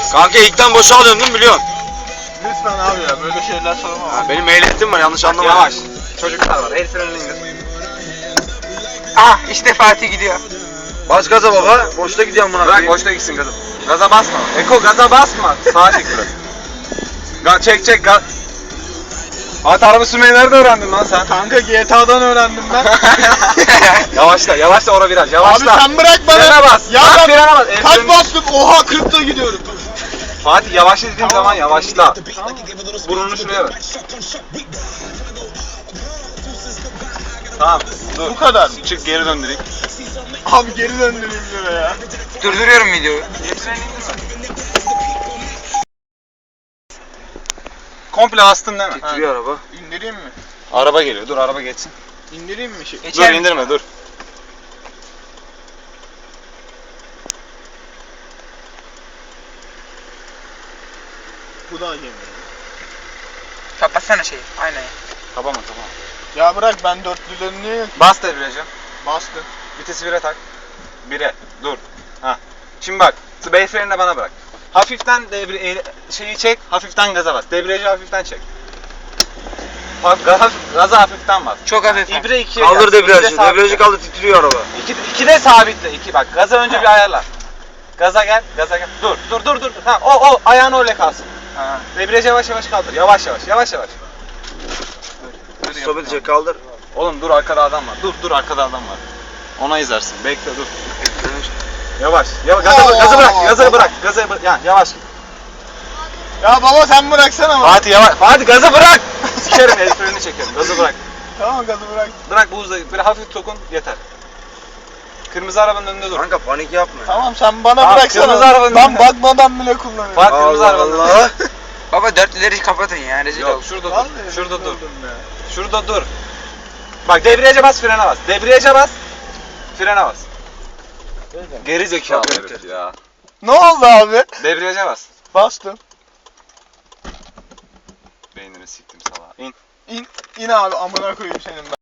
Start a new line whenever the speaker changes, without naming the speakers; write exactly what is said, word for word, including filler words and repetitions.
Kanka ilkten boşa alıyorum değil mi biliyorsun?
Lütfen abi ya böyle şeyler sorma.
Ya benim ehliyetim var yanlış anlama.
Yavaş. Çocuklar var. El frenini indir.
Ah işte Fatih gidiyor.
Bas gaza baba. Boşta gidiyorum buna.
Bırak boşta gitsin gaza. Gaza basma. Eko gaza basma. Sağa çek biraz. Ga çek çek gaz. At araba sürmeyi nerede öğrendin lan sen?
Kanka G T A'dan öğrendim ben.
Yavaşla, yavaşla ora biraz. Yavaşla.
Abi sen bırak bana.
Frene bas.
Ya
Bak,
ben
frene bas. El
kaç
freni-
bastım? Oha kırkta gidiyorum.
Fatih yavaşla dediğim zaman yavaşla. Burnunu şuraya ver. Tamam. Dur.
Bu kadar.
Çık geri döndüreyim.
Abi geri döndüreyim diyor ya.
Durduruyorum videoyu.
Komple bastın değil mi?
Titriyor araba.
İndireyim mi?
Araba geliyor. Dur araba geçsin.
İndireyim mi şey?
Geçer
Dur indirme dur.
Bu da yemiyor.
Kapatsana şeyi. Aynen.
Tamam mı tamam.
Ya bırak ben dörtlülerini
Bas debriyaja.
bastım.
Vitesi bire tak. Bire. Dur. Ha. Şimdi bak. Bey frenini bana bırak. Hafiften devre e, şeyi çek. Hafiften gaza bas. Debriyajı hafiften çek. Hafif, gaz, gaza hafiften bas.
Çok hafif.
İbre ikiye
Kaldır
gel.
debriyajı.
İkide sabitle.
Debriyajı kaldır titriyor araba.
İki, ikide sabitle. İki bak. Gaza önce bir ayarla. Gaza gel. Gaza gel. Dur. Dur dur dur. Ha o o ayağın öyle kalsın.
Ha.
Debriyajı yavaş yavaş kaldır. Yavaş yavaş. Yavaş yavaş. Dur, dur,
Stop
yap.
edecek kaldır.
Oğlum dur arkada adam var. Dur dur arkada adam var. Ona izlersin. Bekle dur. Yavaş. Yavaş. Gazı, gazı bırak. Gazı bırak. Gazı bırak. Yani yavaş.
Ya baba sen bıraksana bana.
Fatih yavaş. Fatih gazı bırak. Sikerim el freni çekerim. Gazı bırak.
Tamam gazı bırak.
Bırak bu hızla. Böyle hafif dokun yeter. Kırmızı arabanın önünde dur.
Kanka panik yapma.
Tamam sen bana
Tamam,
bıraksana.
kırmızı arabanın
Ben
önünde.
bakmadan bile kullanıyorum.
Fatih kırmızı
Allah
arabanın
Allah.
önünde.
Baba dörtlüleri kapatın ya. Rezil
Yok
ol.
şurada dur.
Vallahi
Şurada
rezil
dur.
oldum ya.
Şurada dur. Bak debriyaja bas frene bas. Debriyaja bas. Frene bas. Geri zekalı herif ya.
Ne oldu abi?
Debriyaja bas.
Bastım.
Beynini siktim salağa. İn.
İn, in abi amına koyayım senin ben.